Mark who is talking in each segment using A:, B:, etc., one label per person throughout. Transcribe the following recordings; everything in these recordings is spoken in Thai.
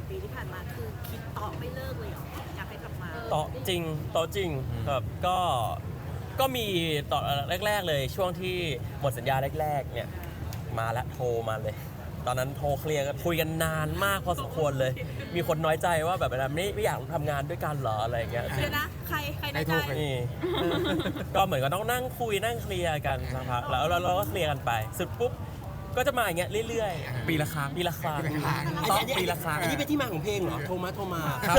A: ปีที่ผ่านมาคือคิดต่อไม่เลิกเลยเหรออยากให้กลับมา
B: ต่อจริงครับก็มีต่อแรกๆเลยช่วงที่หมดสัญญาแรกๆเนี่ยมาแล้วโทรมาเลย ตอนนั้นโทรเคลียร์กันคุยกันนานมากพอสมควรเลย มีคนน้อยใจว่าแบบไม่อยากทำงานด้วยกันเหรออะไรอย่างเงี้ย
A: เดี๋ยวนะใครในใจ
B: นี่ ก็เหมือนก็ต้องนั่งคุยนั่งเคลียร์กันสักพักแล้วเราก็เคลียร์กันไปสุดปุ๊บก็จะมาอย่างเงี้ยเรื่อยๆ
C: ปีละครั้ง
B: ปีละครั้ง
C: ต้องปีละครั้ง
D: อันนี้เป็นที่มาของเพลงเหรอโทรมา
C: ครับ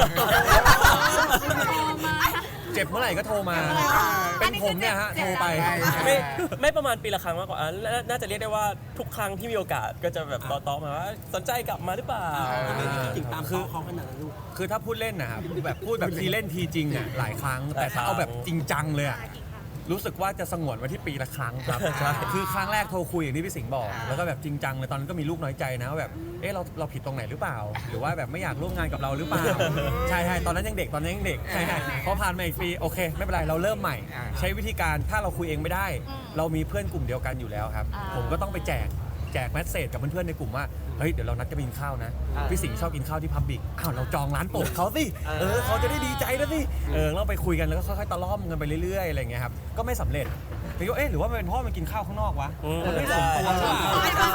C: เจ็บเมื่อไหร่ก็โทรมา เป็นผมเนี่ยฮะโทรไป
B: ไม่ประมาณปีละครั้งมากกว่าน่าจะเรียกได้ว่าทุกครั้งที่มีโอกาสก็จะแบบต่อมาว่าสนใจกลับมาหรือเปล่า
D: ถึงตามคือเขาขนาดนั้นลูก
C: คือถ้าพูดเล่นนะครับแบบพูดแบบทีเล่นทีจริงอ่ะหลายครั้ง แต่ถ้าเอาแบบจริงจังเลยอ่ะรู้สึกว่าจะสงวนไว้ที่ปีละครั้งครับคือครั้งแรกโทรคุยอย่างที่พี่สิงห์บอก แล้วก็แบบจริงจังเลยตอนนั้นก็มีลูกน้อยใจนะว่าแบบเราผิดตรงไหนหรือเปล่า หรือว่าแบบไม่อยากร่วมงานกับเราหรือเปล่าใช่ตอนนั้นยังเด็กใช่พอผ่านมาอีกปีโอเคไม่เป็นไรเราเริ่มใหม่ ใช้วิธีการถ้าเราคุยเองไม่ได้ เรามีเพื่อนกลุ่มเดียวกันอยู่แล้วครับผมก็ต้องไปแจกแมสเซจกับเพื่อนๆในกลุ่มว่าเฮ้ยเดี๋ยวเรานัดจะไปกินข้าวนะพี่สิงห์ชอบกินข้าวที่พับบิกอ้าวเราจองร้านโปรดเขาสิเขาจะได้ดีใจนะสิเราไปคุยกันแล้วก็ค่อยๆตะล่อมกันไปเรื่อยๆอะไรเงี้ยครับก็ไม่สำเร็จพี่ก็หรือว่ามันเป็นเพราะมันกินข้าวข้างนอกวะมันไม่สมตัวหรือเปล่า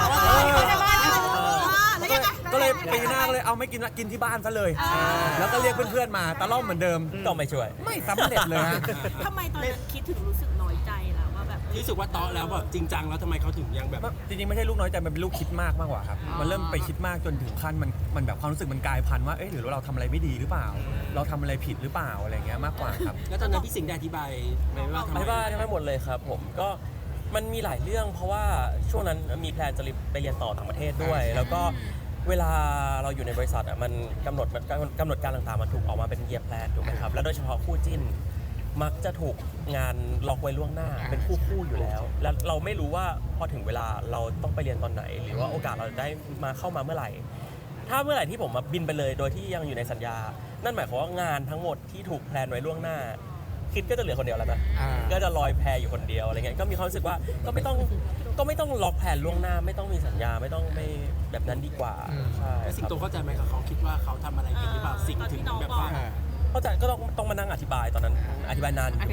C: ก็เลยปีหน้าก็เลยเอาไม่กินละกินที่บ้านซะเลยแล้วก็เรียกเพื่อนๆมาตะล่อมเหมือนเดิม
B: ก็ไม่ช่วย
C: ไม่สำเร็จเลยฮะ
A: ทำไมตอนนั้นคิดถึงรู้สึกน้อยใจล่ะว่าแบบ
D: รู้สึกว่าตอแล้วแบบจริงจังแล้วทำไมเขาถึงยังแบบ
C: จริงๆไม่ใช่ลูกน้อยใจมันเป็นลูกคิดมากกว่าครับมันเริ่มไปคิดมากจนถึงขั้นมันแบบความรู้สึกมันกลายพันธุ์ว่าหรือเราทำอะไรไม่ดีหรือเปล่า เราทำอะไรผิดหรือเปล่าอะไรเงี้ยมากกว่าครับ
D: แล้วตอนนั้นพี่สิงห์ได้อธิบายไหมว่าทำไม
B: ไม่ว่าทั้งหมดเลยครับผมก็มันมีหลายเรื่องเพราะว่าช่วงนั้นมีแพลนจะไปเรียนต่อต่างประเทศด้วย แล้วก็เวลาเราอยู่ในบริษัทมันกำหนดการต่างๆมันถูกออกมาเป็นเยียร์แพลนถูกไหมครับแล้วโดยเฉพาะคู่จิ้นมักจะถูกงานล็อกไว้ล่วงหน้าเป็นคู่อยู่แล้ว แล้วเราไม่รู้ว่าพอถึงเวลาเราต้องไปเรียนตอนไหน หรือว่าโอกาสเราได้มาเข้ามาเมื่อไหร่ ถ้าเมื่อไหร่ที่ผมมาบินไปเลยโดยที่ยังอยู่ในสัญญา นั่นหมายความว่างานทั้งหมดที่ถูกแพลนไว้ล่วงหน้า คิดก็จะเหลือคนเดียวแล้วนะก็จะลอยแพอยู่คนเดียวอะไรเงี้ยก็มีความรู้สึกว่าก็ไม่ต้องล็อกแผนล่วงหน้าไม่ต้องมีสัญญาไม่ต้องไม่แบบนั้นดีกว่าใช่
D: แล้วสิงโตเข้าใจไหมครับเขาคิดว่าเขาทำอะไรผิดหรือเปล่าสิงถึงแบบว่า
B: เข้าใจก็ต้องมานั่งอธิบายตอนนั้นอธิบายนานอยู่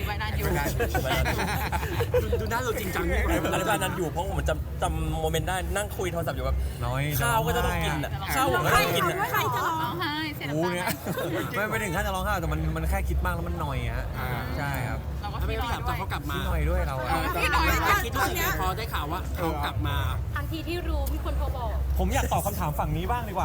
D: ดูหน้าเราจริงจังนี่
B: อธิบายนานอยู่เพราะผมจำโมเมนต์ได้นั่งคุยโทรศัพท์อยู่แบบ
C: น้อย
B: ข้าวก็จะต้องกินอ่ะข้าวผมก็ต้องกินอ่ะ
A: ใครจะร้อง
E: ร้องไห้เสีย
C: กู
E: น้ำ
C: เนี่ย
E: ตา
C: ไม่ถึงขั้นจะร้องไห้แต่มันแค่คิดมากแล้วมันหน่อยฮะใช่ครับ
E: เราก็
D: ถ้าไม่
E: พี่
D: พี่ถามตอนเขากลับมา
C: พี่หน่อยด้วยเราอะ
E: พี่น้อย
D: แต่คิดรู้สึกไงพอได้ข่าวว่าเขากลับมา
A: ทันทีที่รู้มีคนโทรบอก
C: ผมอยากตอบคำถามฝั่งนี้บ้างดีกว่า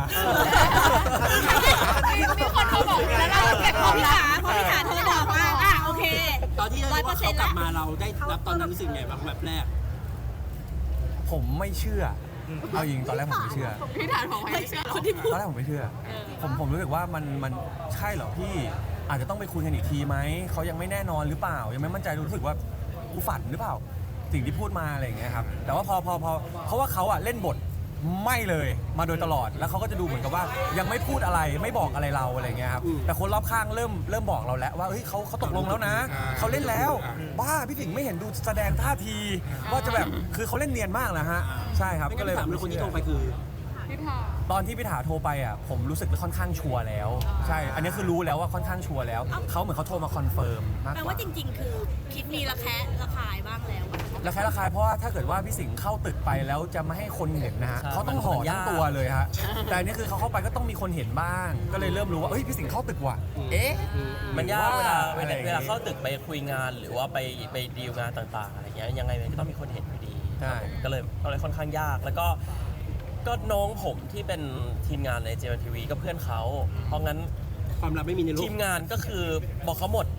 E: มีคนเขาบอกแล้วเราเก็บ
A: พ
E: ข
A: อ
E: อง
A: พี่
E: หลั
A: ถาง พอพี่ถาโทรบอกว่าโอเค
D: ตอนที่ได้รู้ว่าเขากลับมาเราได้รับตอนนั้นรู้สึกไงบ้างแบบแรก
C: ผมไม่เชื่อเอาจริงตอนแรกผมไม่เชื่อ
E: พี่ถามของไม่เชื่อคนที่พูด
C: ตอนแรกผมไม่เชื่อ ผมรู้สึกว่ามันใช่เหรอพี่อาจจะต้องไปคุยกันอีกทีไหมเขายังไม่แน่นอนหรือเปล่ายังไม่มั่นใจรู้สึกว่ากูฝันหรือเปล่าสิ่งที่พูดมาอะไรอย่างเงี้ยครับแต่ว่าพอเพราะว่าเขาอะเล่นบทไม่เลยมาโดยตลอดแล้วเขาก็จะดูเหมือนกับว่ายังไม่พูดอะไรไม่บอกอะไรเราอะไรเงี้ยครับแต่คนรอบข้างเริ่มบอกเราแล้วว่าเฮ้ยเขาตกลงแล้วนะเขาเล่นแล้วบ้าพี่สิงห์ไม่เห็นดูแสดงท่าทีว่าจะแบบคือเขาเล่นเนียนมากนะฮะใช่ครับ
D: ไม่
C: ก็
D: งั้น
C: เลย
D: ถามเลยคนที่โทรไปคือ
E: พี่ถาม
C: ตอนที่พี่ถาโทรไปอ่ะผมรู้สึกค่อนข้างชัวร์แล้วใช่อันนี้คือรู้แล้วว่าค่อนข้างชัวร์แล้วเขาเหมือนเขาโทรมาคอนเฟิร์มมาก
A: แปล
C: กว่า
A: ว่าจริงๆ คือคิดมีระแคะระคายบ้างแล้ว
C: ระคายเพราะว่าถ้าเกิดว่าพี่สิงห์เข้าตึกไปแล้วจะไม่ให้คนเห็นนะฮะเขาต้องห่อทั้งตัวเลยฮะแต่อันนี้คือเขาเข้าไปก็ต้องมีคนเห็นบ้าง ก็เลยเริ่มรู้ว่าเอ้ยพี่สิงห์เข้าตึกว่ะ
B: มันยากเวลา
C: อะไรอย่างงี้
B: เวลาเข้าตึกไปคุยงานหรือว่าไปดีลงานต่างๆอะไรเงี้ยยังไงมันก็ต้องมีคนเห็นอยู่ดี
C: ใช่
B: ก็เลยค่อนข้างยากแล้วก็น้องผมที่เป็นทีมงานใน JMTV ก็เพื่อนเขาเพราะงั้น
D: ความลับไม่มีในโลก
B: ทีมงานก็คือบอกเขาหมด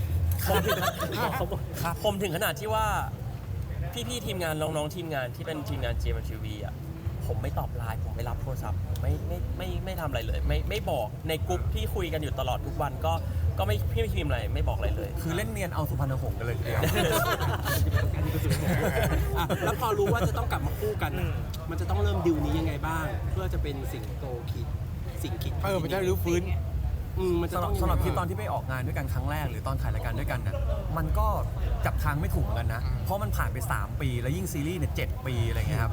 B: ผมถึงขนาดที่ว่าพี่ๆทีมงานน้องๆทีมงานที่เป็นทีมงาน JMTV อ่ะผมไม่ตอบไลน์ผมไม่รับโทรศัพท์ผมไม่ทำอะไรเลยไม่บอกในกลุ่มที่คุยกันอยู่ตลอดทุกวันก็ไม่พี่ไม่พิมพ์อะไรไม่บอกอะไรเลย
C: คือเล่นเนียนเอาสุพรรณหงส์กันเลยทีเดียว
D: อ่ะแล้วพอรู้ว่าจะต้องกลับมาคู่กันอ่ะมันจะต้องเริ่มดิวนี้ยังไงบ้าง เพื่อจะเป็นสิงโตคิดสิงคิด
F: มันจะรื้อฟื้น
D: มันจะต้อง
C: สำหรับที่ตอนที่ไปออกงานด้วยกันครั้งแรกหรือตอนถ่ายรายการด้วยกันน่ะมันก็จับทางไม่ถูกเหมือนกันนะเพราะมันผ่านไป3 ปีแล้วยิ่งซีรีส์เนี่ย7 ปีอะไรเงี้ยครับ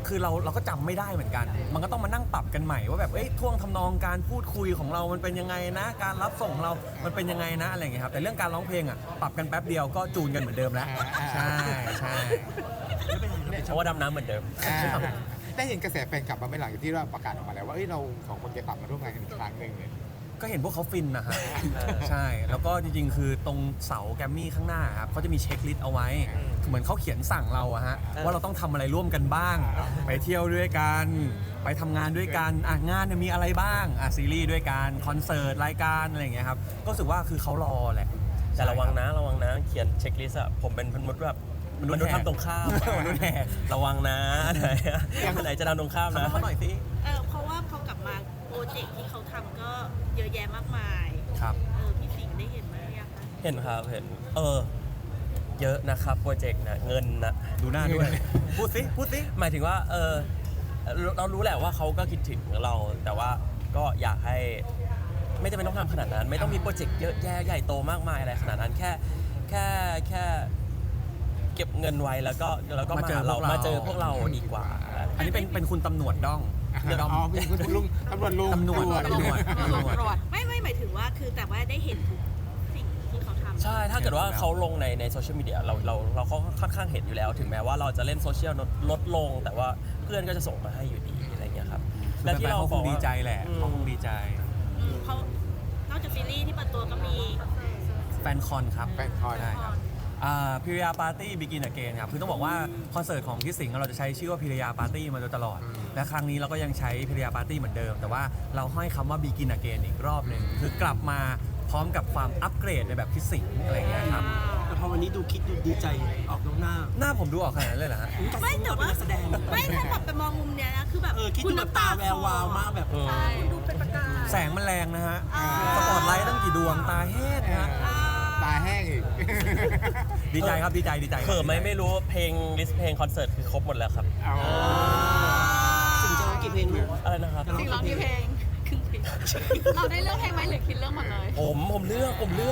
C: คือเราก็จำไม่ได้เหมือนกัน มันก็ต้องมานั่งปรับกันใหม่ว่าแบบท่วงทำนองการพูดคุยของเรามันเป็นยังไงนะการรับส่งของเรามันเป็นยังไงนะอะไรอย่างเงี้ยครับแต่เรื่องการร้องเพลงอ่ะปรับกันแป๊บเดียวก็จูนกันเหมือนเดิมแล้วใช่ใช่
B: เพราะว่าดำน้ำเหมือนเดิม
F: ได้เห็นกระแสแฟนกลับมาไม่หลังจากที่เราประกาศออกมาแล้วว่าเราสองคนจะกลับมาร่วมงานกันอีกครั้งหนึ่งเนี่ย
C: ก็เห็นพวกเขาฟินนะฮะใช่แล้วก็จริงๆ คือตรงเสาแกรมมี่ข้างหน้าครับเขาจะมีเช็คลิสต์เอาไว้เหมือนเขาเขียนสั่งเราอะฮะว่าเราต้องทำอะไรร่วมกันบ้าง ไปเที่ยวด้วยกันไปทำงานด้วยกันงานเนี่ยมีอะไรบ้างซีรีส์ด้วยกันคอนเสิร์ตรายการอะไรอย่างเงี้ยครับก็รู้สึกว่าคือเขารอแหละ
B: แต่ระวังนะเขียนเช็คลิสต์อะผมเป็นมนุษย์แบบมนุษย์ทำตรงข้าม
C: มนุษย์แหก
B: ระวังนะไหนจะทำตรงข้ามนะ
C: เขาหน่อยสิ
A: เพราะว่าพอกลับมาโปรเจกต์ที่เขาทำก็เยอะแยะมากมาย
C: ครับ
A: พี่สิงห์ได้เห็นไหมยังคะ
B: เห็นครับเห็นเยอะนะครับโปรเจกต์นะเงินนะ
C: ดูหน้าด้วยพูดสิ
B: หมายถึงว่าเรารู้แหละว่าเขาก็คิดถึงเรา แต่ว่าก็อยากให้ไม่จำเป็นต้องทำขนาดนั้น ไม่ต้องมีโปรเจกต์เยอะแยะใหญ่โตมากมายอะไรขนาดนั้นแค่เก็บเงินไว้แล้วก็มามาเจอพวกเราดีกว่า
C: อันนี้เป็นคุณตำรวจด้อง
F: อ๋อเป็นคุณลุงตำรวจลุง
C: ตำรวจ
E: ตรวจ
A: ไม่หมายถึงว่าคือแต่ว่าได้เห็นทุกสิ่งที่เขาทำ
B: ใช่ถ้าเกิดว่าเขาลงในโซเชียลมีเดียเราก็ค่อนข้างเห็นอยู่แล้ว ถึงแม้ว่าเราจะเล่นโซเชียลลดลง แต่ว่าเพื่อนก็จะส่งมาให้อยู่ดีอะไรเงี้ยครับ
C: และที่เราคงดีใจแหละเขาคงดีใจ
A: เขานอกจากซีรีส์ที่เปิดตัวก็มี
C: แฟนคอนครับ
F: แฟนคอน
C: ใช่ครับพิริยาปาร์ตี้บิกินอเกนครับคือต้องบอกว่าคอนเสิร์ตของพี่สิงห์เราจะใช้ชื่อว่าพิริยาปาร์ตี้มาโดยตลอด และครั้งนี้เราก็ยังใช้พิริยาปาร์ตี้เหมือนเดิม แต่ว่าเราให้คำว่าบิกินอเกนอีกรอบหนึ่งคือกลับมาพร้อมกับความอัปเกรดในแบบพี่สิงห์อะไรอย่างเงี้ยครับ
D: แต่พอวันนี้ดูคิดดูดีใจออกนอกหน้า
C: หน้าผมดูออกขนาดนั้นเลยเหรอฮะ
A: ไม่แต่ว่า
D: เป็นนักแสดง
A: ไม่ถ้าแบบไปมองมุมเนี้ยนะคือแบบ
D: คิดดูแบบตาแวววาวมากแบบ
A: ใช่ดูเป็นประกาย
C: แสงมันแรงนะฮะสปอตไลท์ตั้งกี่ดวงตาแห้งนะฮะ
F: ตาแห้งอีก
C: ดีใจครับดีใจ
B: เขิมไหมไม่รู้เพลงลิสต์เพลงคอนเสิร์ตคือครบหมดแล้วครับ
D: สิ่งจะร้องกี่เพลงลูก
B: อะไรนะครับ
E: สิ่งร้องที่เพลง เราได้เลือกเพลงไหมหรือคิดเรื่องหมดเลย
B: ผมเลือก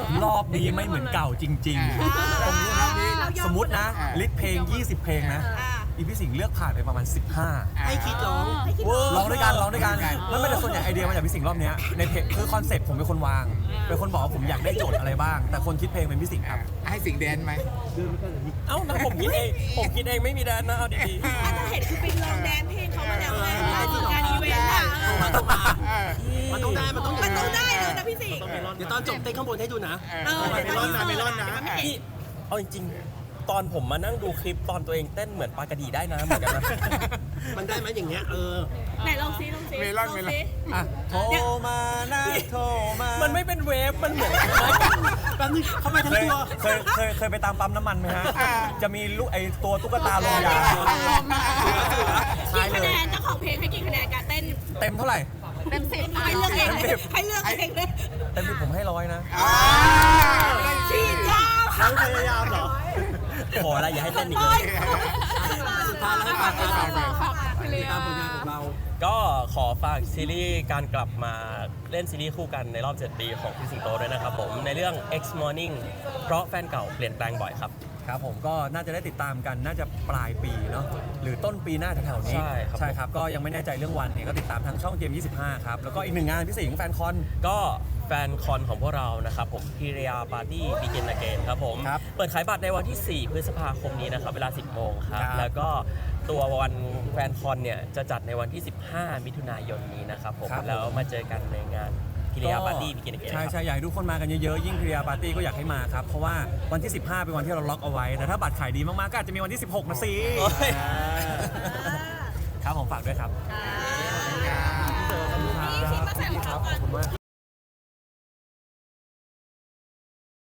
C: รอบนี้ไม่เหมือนเก่าจริงๆ สมมตินะลิสต์เพลง 20 เพลงนะอีพี่สิงห์เลือกผ่านไปประมาณ 15
D: ให้คิดร้อง
C: ร้องด้วยกันไม่แต่ส่วนใหญ่ไอเดียมาจากพี่สิงห์รอบเนี้ยในเพลงคือคอนเซ็ปต์ผมเป็นคนวางเป็นคนบอกว่าผมอยากได้โจทย์อะไรบ้าง แต่คนคิดเพลงเป็นพี่สิงห์ครับ
F: ให้สิงแดนไหม
B: เอ้านะผมคิดเองไม่มีแดนนะเอาดี
A: ถ้าเห็นคือไปลองแดนเพลงเขามาแล้วไงงานอีเวนต์อะ
D: มันต้องได้มันต้อง
A: มันต้องได้เลยนะพี่สิงห์
D: เดี๋ยวตอนจบเต้นข้างบนให้ดูนะ
A: เมลอนนะ
B: ๆพี่เอาจริงๆตอนผมมานั่งดูคลิปตอนตัวเองเต้นเหมือนปลากระดีได้นะเหมือนกันนะ
D: มันได้ไหมอย่างเงี้ย
A: ไหนลองซิ
F: เมลอน
C: โทรมานะโทรมา
B: มันไม่เป็นเวฟมันเหมือน
D: แป๊บนึงเข้าไปทั้งตัว
C: เคยไปตามปั๊มน้ำมันไหมฮะจะมีลูกไอตัวตุ๊กตาลงยา
A: กี่คะแนนเจ้าของเพลงให้กี่คะแนนการเต้น
C: เต็มเท่าไหร่
E: เต็ม10
A: ให้เลือกเองเลยให้เลือกเองเลย
C: เต็มที่ผมให้100นะ
A: ฉีดยา
D: พยายามเหรอ
B: ขออะไรอย่าให้เต้นอีกเลย
D: สุดท้ายแล้วให้ฝากติดตาม
E: ฝากเพลง
D: ผลงานของเรา
B: ก็ขอฝากซีรีส์การกลับมาเล่นซีรีส์คู่กันในรอบ 7 ปีของพี่สิงโตด้วยนะครับผมในเรื่อง X Morning เพราะแฟนเก่าเปลี่ยนแปลงบ่อยครับ
C: ครับผมก็น่าจะได้ติดตามกันน่าจะปลายปีเนาะหรือต้นปีหน้าแถวๆนี้
B: ใช่ครับ
C: ก็ยังไม่แน่ใจเรื่องวันเนี่ยก็ติดตามทางช่องเกม 25 ครับ แล้วก็อีกหนึ่งงานพี่สิงห์แฟนคอน
B: ก็แฟนคอนของพวกเรานะครับผมพิริยาปาร์ตี้บิกินอเกนครับผม
C: ครับ
B: เปิดขายบัตรในวันที่ 4 พฤษภาคมนี้นะครับเวลา 10 โมงครับ
C: ครับ
B: แล้วก็ตัววันแฟนคอนเนี่ยจะจัดในวันที่ 15 มิถุนายนนี้นะครับผมแล้วมาเจอกันในงานพิริยาปาร์ตี้บิกินอเกน
C: ใช่อยากให้ทุกคนมากันเยอะๆยิ่งพิริยาปาร์ตี้ก็อยากให้มาครับเพราะว่าวันที่ 15 เป็นวันที่เราล็อกเอาไว้แต่ถ้าบัตรขายดีมากๆก็อาจจะมีวันที่ 16นะสิครับผมฝากด้วยครับ
A: อ่า